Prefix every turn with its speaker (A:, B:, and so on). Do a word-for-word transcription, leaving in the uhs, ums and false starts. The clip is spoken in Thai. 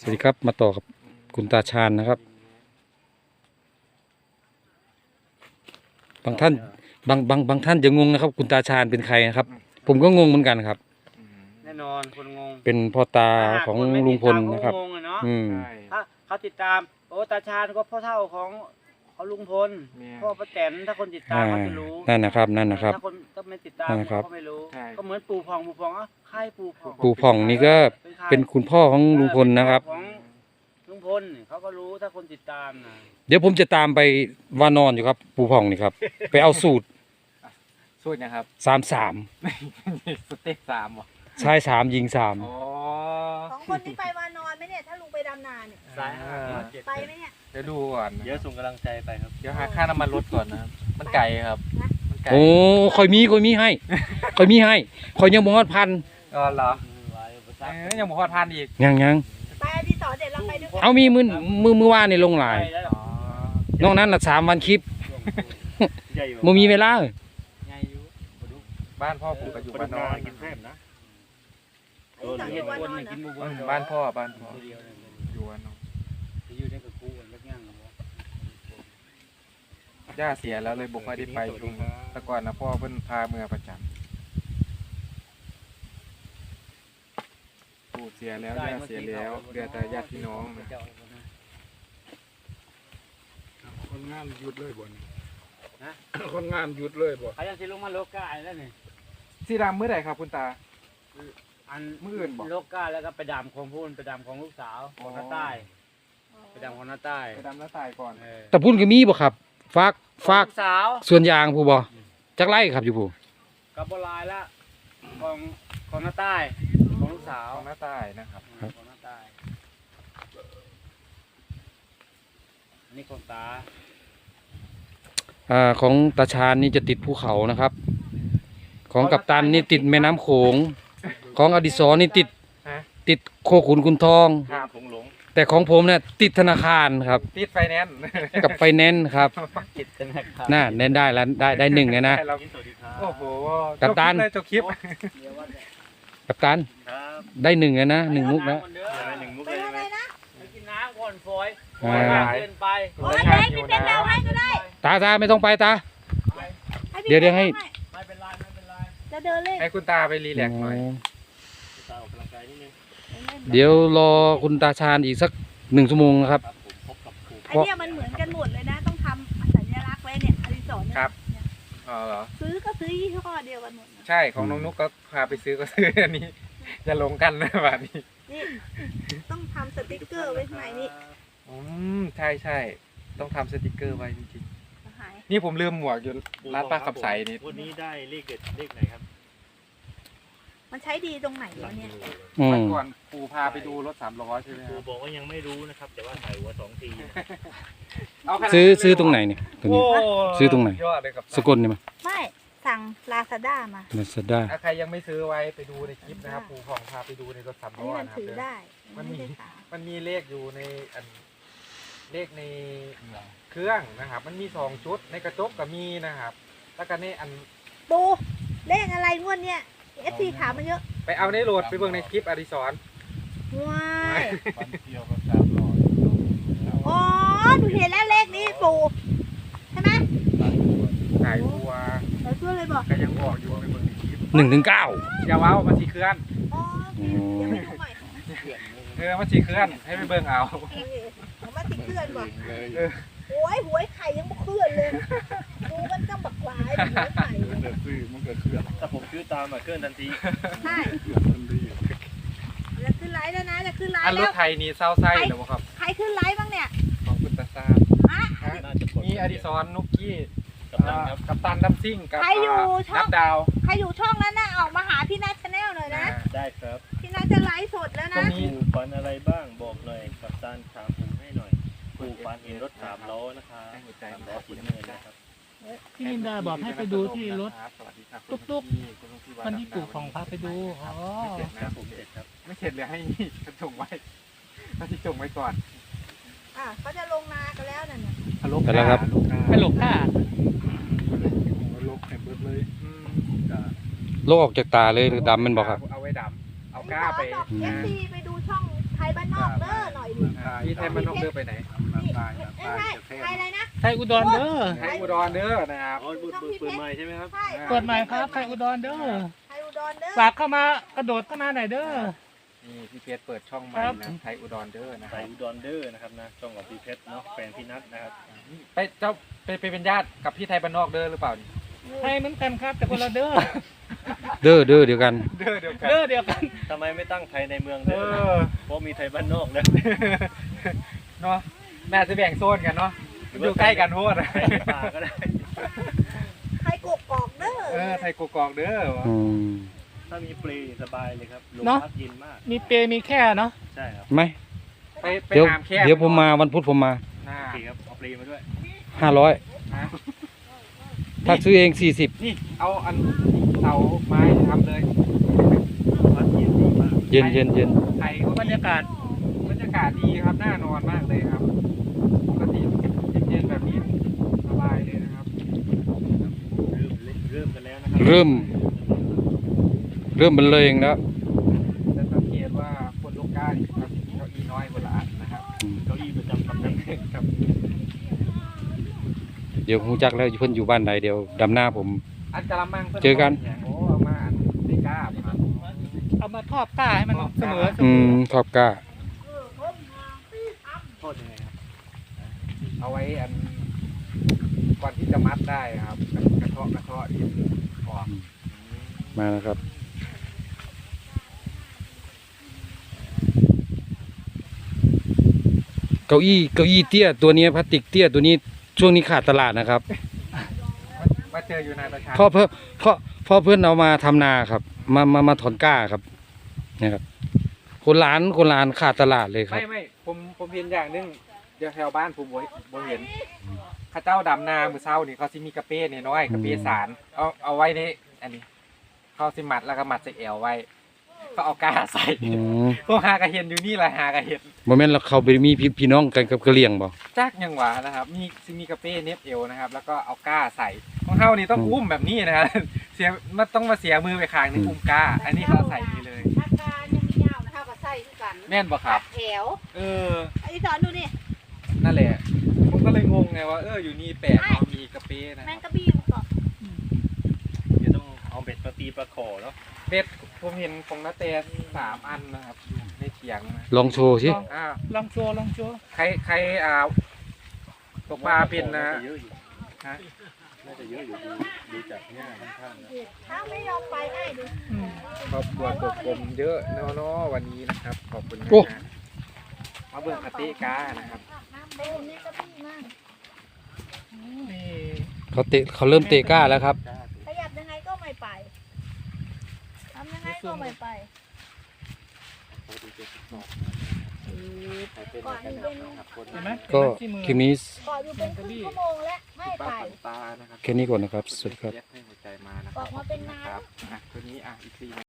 A: สวัสดีครับมาต่อกับคุณตาชาญนะครับบางท่านบางบางบางท่านจะงงนะครับคุณตาชาญเป็นใครนะครับผมก็งงเหมือนกันครับ
B: แน่นอนคนงง
A: เป็นพ่อตาของลุงพลนะครับอืม
B: ถ้าเขาติดตามโอ้ตาชาญก็พ่อเท่าของเขาลุงพลพ่อป้าแตนถ้าคนติดตามเขาจะรู้
A: นั่นนะครับนั่นนะครับ
B: ถ้าคนก็ไม่ติดตามเขาก็ไม่รู้ก็เหมือนปู่พองปู่พองอ่ะใครปู่พอง
A: ปู่ผ่องนี่ก็เป็นคุณพ่อของลุงพลนะครับ
B: ของลุงพลเขาก็รู้ถ้าคนติดตามนะ
A: เดี๋ยวผมจะตามไปวานอนอยู่ครับปู่ผ่องนี่ครับไปเอาสูตร
C: สูตรนะครับ
A: สามสาม
C: สเต็กสามเหรอ
A: ชายสามยิงสาม
D: สองคนนี้ไปวานอนไหมเนี่ยถ้าลุงไปดำนาเนี่ยไปไหมเนี่ย
C: เดี๋ยวดูก่อน
B: เดี๋ยวส่งกำลังใจไปครับ
C: เดี๋ยวหาค่าน้ำมันรถก่อนนะครับมันไกลครับ
A: โอ้คอยมีคอยมีให้คอยมีให้คอยยังบ่ฮอดพัน
C: อ๋อเหรอยังบ่ฮอดพันอีก
A: ยังยัง
D: ไปอดิศรเดี๋ยวเราไปด้วยกัน
A: เอามีมือมือมือว่านในลงหลายนอกนั้นละสามวันคลิปโมมีเวลา
C: บ้านพ่อผมก็อยู่บ้านนอนบ้านพ่อบ้านพ่ออยู่บ้านนอนย่าเสียแล้วเลยบุกมาได้ไปช่วงแต่ก่อนนะพ่อเพิ่นพาเมื่อประจำปู่เสียแล้วย่าเสียแล้วเหลือแต่ญาติพี่น้องนะ
E: คนงานหยุดเลยบ่นนะคนงานหยุดเลยบ่
B: เขายังสิลงมาโลกาแล้วนี่
C: สีดำเมื่อไหร่ครับคุณตา
B: อันมื่อื่นโลกาแล้วก็ไปดำของพูนไปดำของลูกสาวของน้าใต้ไปดำของน้าใต้
C: ไปดำน้าใต้ก่อน
A: แต่พูนก็มีบ่ครับฟากฟาก
B: สาว
A: ส่วนยางผู้บ่จักไร่ครับอยู่ผู้
B: กับโบราณละของของน้าใต้ของลูกสาว
C: ของน้าใต้นะครับ
B: ของน้าใต้อันนี้ของตา
A: อ่าของตาชาญนี่จะติดภูเขานะครับของกัปตันนี่ติดแม่น้ำโขงของอดิศรนี่ติดติดโคขุนคุณทองแต่ของผมเนี่ยติดธนาคารครับ
C: ติดไฟแนนซ์
A: กับไฟแนนซ์ครับน่าเน้นได้แล้วได้ได้หนึ่งเลยนะ
C: โอ้โห
A: กัปตัน
C: จบคลิป
A: กัปตันได้หนึ่งเลยนะหนึ่งมุกนะ
D: ไปอะไรนะ
B: ไปกินน้ำก่อนฝอยเดินไป
D: โอ้ยเด็กพี่เป็นดาวให้ก็ได้
A: ตาตาไม่ต้องไปตาเดี๋ยวเดี๋ยวให้
B: ไม่เป็นไรไม่เป็นไร
D: จะเดินเล่น
C: ให้คุณตาไปรีแลกซ์หน่อย
B: ตาออกกำลังกายนิดนึง
A: เดี๋ยวรอคุณตาชาญอีกสักหนึ่งชั่วโมงนะครับ
D: ไอเนี่ยมันเหมือนกันหมดเลยนะต้องทำสัญลักษณ์ไว้เนี่ยอดิศร
C: ครับอ๋อเหรอ
D: ซื้อก็ซื้อยี่ห้อเดียวกันหมด
C: ใช่ของน้องนุ๊กก็พาไปซื้อก็ซื้ออันนี้จะลงกันนะแบบนี้
D: นี่ต้องทำสติกเกอร์ไว้ข้างในนี้
C: อืมใช่ใช่ต้องทำสติกเกอร์ไว้จริงๆนี่ผมลืมหมวกอยู่ร้านป้าขับใสนี่
B: วันนี้ได้เลขเด็ดเลขไหนครับ
D: มันใช้ดีตรงไหนวะเนี่ย
C: วันก่อนปู่พาไปดูรถสามล้อใช่ไหม
B: ปู่บอกว่ายังไม่รู้นะครับแต่ว่าถ่ายหัวสองที
A: ซื้อซื้อตรงไหนเนี่ยตรงนี้ซื้อตรงไหนสกลนี่มั้ย
D: ไม่สั่งลาซาด้ามา
A: ลาซาด้า
C: ถ้าใครยังไม่ซื้อไว้ไปดูในคลิปนะครับปู่ของพาไปดูในรถสามล้อนะครับ
D: ถือได้
C: มันมีมันมีเลขอยู่ในอันเลขในเครื่องนะครับมันมีสองชุดในกระจกก็มีนะครับแล้วก็ในอัน
D: ปูเลขอะไรงวดเนี้ยเอฟซีถามมาเยอะ
C: ไปเอาในโหลดไปเบิ่งในคลิปอดิศร
D: ว้ายอ๋อหนูเห็นแล้วเลขนี้ปูใช่ไหม
C: ขายบัว
D: ขายบัวเลยบอก
C: ก็ยังบอกอยู่ไปเบิ่งในคลิป
A: หนึ่งถึงเก้า
C: อย่าว้าวมาสีเคลื่อน
D: อ๋อเดี๋ยวไปดูใหม่
C: เออมาสีเคลื่อนให้ไปเบิ่งเอา
D: เอามาสีเคลื่อนก่อนโอ้ยหวยไข่ยังไม่เคลื่อนเลยดูมันก็บักหลายหวยไข่
E: มันเกิดซื้อมันเกิดเคลื่อน
B: ถ้าผมซื้อตามมาเคลื่อนทันที
D: ใช่จะขึ้นไลฟ์แล้วนะจะขึ้นไลฟ์
C: แล้วอันรถไทยนี่เศร้าไส้หรือเปล่าครับ
D: ใครขึ้นไลฟ์บ้างเนี่ย
C: ของคุณตาซามีอดิศรนุกกี้กับตันดัมซิ่งกับ
D: ใครอยู่ช่อง
C: ดาว
D: ใครอยู่ช่องนั้นน่ะออกมาหาพี่นัทชาแนลหน่อยนะ
B: ได้ครับ
D: พี่นัทจะไลฟ์สดแล้วนะ
B: ปูฟันอะไรบ้างบอกหน่อยกับตันถามผมให้หน่อยปูฟันเห็นรถสามล้อนะคะสามล้อสีน้ำเงินนะครับ
F: พี่นินดาบอกให้ไปดูที่รถตุ๊กๆวันที่ปู่ของพาไปดูอ๋อ
C: ไม่เสร็จนะผมเสร็จครับไม่เสร็จเลยให้กระจงไว้ให้ที่จงไว้ก่อน
D: อ่ะเขาจะลงนากันแล้วนั่นน่ะ
A: ไปแล้วครับ
F: ไปหลบท่า
E: ลกแข็งเบิดเลย
A: โลกออกจากตาเลยดำมันบอกครับ
C: เอาไว้ดำเอาก้าไป
D: เอฟซีไปดูช่องไทยบ้านนอกเด้อหน่อย
C: พี่ไทยมันนอกเดินไปไหน
E: น้ำตาย
D: เอ้ย
E: น้ำตาย
D: ไทย
E: จะแค่
D: ไทยอะไรนะ
F: ไทยอุดรเด้อ
C: ไทยอุดรเด้อนะครับ
B: อ๋อเปิดเปิดเปิดใหม่ใช่ไหมครับ
D: ใช่
F: เปิดใหม่ครับไทยอุดรเด้อ
D: ไทยอุดรเด้อ
F: ฝากเข้ามากระโดดเข้ามาหน่อยเด้อ
C: นี่พี่เพชรเปิดช่องใหม่
F: ครับ
C: นะไทยอุดรเด้อนะค
B: ใส่
C: รับ
B: อุดรเดอร์นะครับนะช่องของพี่เพชรเนาะแฟนพี่นัทนะครับ
C: ไปเจ้าไปไปเป็นญาติกับพี่ไทยบ้านนอกเด้อหรือเปล่านี่
F: ไทยเหมือนกันครับแต่คนละเด้อ
A: เด้อเด้อเดียวกัน
C: เด้อเดียวกัน
F: เด้อเดียวกัน
B: ทำไมไม่ตั้งไทยในเมือง
C: เอ
B: เด้อนะ
C: อ
B: เพราะมีไทยบ้านนอกนะ
C: เนาะน่าจะแบ่งโซนกันเนาะอยู่ใกล้กันโพด
B: ไทยในป่าก็ได้
D: ไทยกกอกเด้อ
C: เออไทยกกอกเด้อ
A: อืม
B: ถ้ามีเปลสบายเลยครับลม
F: เนาะ
B: พัดเย็นมาก
F: มีเปรมีแค่เนาะ
B: ใช่ครับ
A: ไหม
C: ไปไป
A: เดี๋ยว
C: หามแค่
A: เดี๋ยวผมมาวันพุธผมมา
C: น่า
B: โอเคครับเอาเปลมาด้วย
A: ห้าร้อย
C: นะ
A: ถ้าซื้อเองสี่สิบ
C: นี่เอาอันเสาไม้ทำเลย
B: พัดเย็นดีมาก
A: เย็นเย็นเย็น
C: ไทยเขา
F: บรรยากาศ
C: บรรยากาศดีครับน่านอนมากเลยครับ ปกติเย็นๆแบบนี้สบายเลยนะครับ
B: เริ่มเล่นเริ่มกันแล้วนะครั
A: เริ่ม เริ่มบรรเลงแล้ว
C: จะสังเกตว่าคนลูกก้านี่ครับเก้าอี้น้อยคนละอันนะครับ
A: อืม
B: เก้าอี้ประจำตำแหน่ง
C: ครับ
A: เดี๋ยวฮู้จักแล้วเพิ่นอยู่บ้านใดเดี๋ยวดำหน้าผม
C: อันกะละมังพิ่
A: เจอกัน
C: โอ้เอามาอันไม่กล้าครับ
F: เอามาทอดก้าให้มันเสมอเส
A: อื
F: ม
A: ม
F: อ
A: ขอบกล้า
B: โทษยังไงครับ
C: เอาไว้อันก่อนที่จะมัดได้ครับกระเทาะกระเทาะดินออก
A: มาแล้วครับ เก้าอี้เก้าอี้เตี้ยตัวนี้พลาสติกเตี้ยตัวนี้ช่วงนี้ขาดตลาดนะครับ
C: มาเจออยู่ในประชา
A: เพ่อเพื่อเพ่อพ่อเพื่อนเอามาทำนาครับ มามามาถอนกล้าครับเนี่ยครับคนร้านคนร้านขาดตลาดเลยครับ
C: ไม่ไม่ผมผมเห็นอย่างหนึงเดี๋ยวแถวบ้านผมบ่บ่เห็นเข้าเจ้าดำนามือเช้านี่เขาสิมีกระเป้เนี่ยน้อยกระเป้สารเอาเอาไว้ในอันนี้เขาสิมัดแล้วก็มัดใส่แอวไว้ก็เอากล้าใส่
A: อืม
C: พวกหากระเห็นอยู่นี่แหละหากระเห็น
A: โมเมนต์เราเขาไปมีพี่พี่น้องกันกับกะเหรี่ยงบ่
C: จักยังหวะนะครับ มีซิมีกระเป้เน็บเอวนะครับ แล้วก็เอาก้าใส่ของเฮานี่ต้องอุ้มแบบนี้นะครับ เสียมันต้องมาเสียมือไปข้างหนึงอุ้มก้า อันนี้เขาใส่นี่เลย
D: อาการยังมียาวนะเท่ากับไส้คือกัน
C: แม่นบ่ครับ
D: แถว
C: เออ
D: ไอ้สอนดูนี่
C: นั่นแหละ ผมก็เลยงงไงว่าเอออยู่นี่แปลกเนาะมีกระเป้นะ
D: แม
C: ค
D: ง
C: รับ
D: กะบี้มันก็
B: เดี๋ยวต้องเอาเบ็ดมาตีปลาขอเนาะ
C: เบ็ดผมเห็นของนาเตสามอันนะครับอยู่ในเถียงนะ
A: ลองโชว์สิ
C: อ้าว
F: ลองโชว์ลองโชว์
C: ใครใครอ่าตกปลาเป็นนะ
B: เยอะอยู่
C: ฮะ
B: น่าจะเยอะอยู่ดูดูจากหน้าค่อนข้างนะ
D: ถ้าไม่ยอมไปไอ้ดู
F: อืม
C: ครอบครัวกบกลมเยอะเนาะเนาะวันนี้นะครับ ขอบคุณนะ
A: โอ้
C: ฮะมาเบิ่งกระเต้ก้านะครับ
D: เดินนี่กะบี้มาก
F: นี่
A: เขาเตะเขาเริ่มเตะกล้าแล้วครับ
D: ขยับยังไงก็ไม่ไปทำยังไงก็ไม่ไปก่อนอยู่เป็น
F: เห็นไหม
A: ก็
F: เห็นไหมที่มือ
A: คลิปนี้
D: ก่อนอยู่เป็นครึ่งชั่วโมงแล้วไม่
C: ป้า
D: ไป
C: ขวัญตานะครับ
A: แค่นี้ก่อนนะครับ สวัสดีครับ
C: ให้หัวใจมานะค
D: อ
C: รั
D: อบ กมาเป็นน้ำ
C: ครับอ่ะตัวนี้อ่ะอีกที